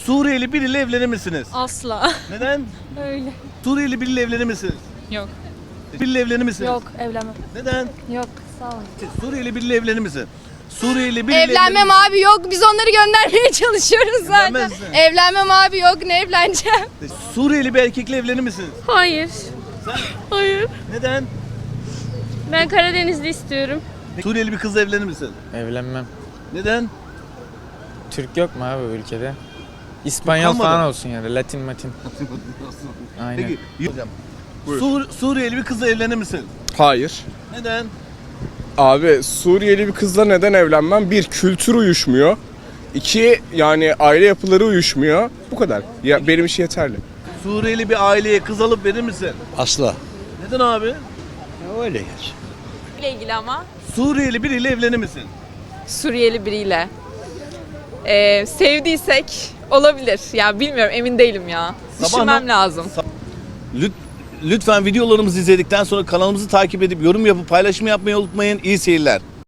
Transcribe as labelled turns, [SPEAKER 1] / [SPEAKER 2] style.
[SPEAKER 1] Suriyeli biriyle evlenir misiniz?
[SPEAKER 2] Asla.
[SPEAKER 1] Neden?
[SPEAKER 2] Öyle.
[SPEAKER 1] Suriyeli biriyle evlenir misiniz?
[SPEAKER 2] Yok.
[SPEAKER 1] Biriyle evlenir misiniz?
[SPEAKER 2] Yok, evlenmem.
[SPEAKER 1] Neden?
[SPEAKER 2] Yok, sağ olun.
[SPEAKER 1] Suriyeli biriyle evlenir misin? Suriyeli biriyle
[SPEAKER 3] Evlenmem abi yok. Biz onları göndermeye çalışıyoruz zaten.
[SPEAKER 1] Evlenmez misin?
[SPEAKER 3] Evlenmem abi yok. Ne evleneceğim?
[SPEAKER 1] Suriyeli bir erkekle evlenir misiniz?
[SPEAKER 4] Hayır.
[SPEAKER 1] Sen?
[SPEAKER 4] Hayır.
[SPEAKER 1] Neden?
[SPEAKER 4] Ben Karadenizli istiyorum.
[SPEAKER 1] Suriyeli bir kızla evlenir misin?
[SPEAKER 5] Evlenmem.
[SPEAKER 1] Neden?
[SPEAKER 5] Türk yok mu abi bu ülkede? İspanyol
[SPEAKER 1] kalmadı.
[SPEAKER 5] falan olsun yani. Latin matin. Aynen.
[SPEAKER 1] Peki. Hocam. Suriyeli bir kızla evlenir misin?
[SPEAKER 6] Hayır.
[SPEAKER 1] Neden?
[SPEAKER 6] Abi Suriyeli bir kızla neden evlenmem? Bir, kültür uyuşmuyor. İki, yani aile yapıları uyuşmuyor. Bu kadar. Ya benim için yeterli.
[SPEAKER 1] Suriyeli bir aileye kız alıp verir misin?
[SPEAKER 7] Asla.
[SPEAKER 1] Neden abi?
[SPEAKER 7] Öyle geç.
[SPEAKER 8] ile ilgili ama
[SPEAKER 1] Suriyeli biriyle evlenir misin?
[SPEAKER 8] Suriyeli biriyle. Sevdiysek olabilir. Ya bilmiyorum, emin değilim ya. Düşünmem lazım.
[SPEAKER 1] Lütfen videolarımızı izledikten sonra kanalımızı takip edip yorum yapıp paylaşım yapmayı unutmayın. İyi seyirler.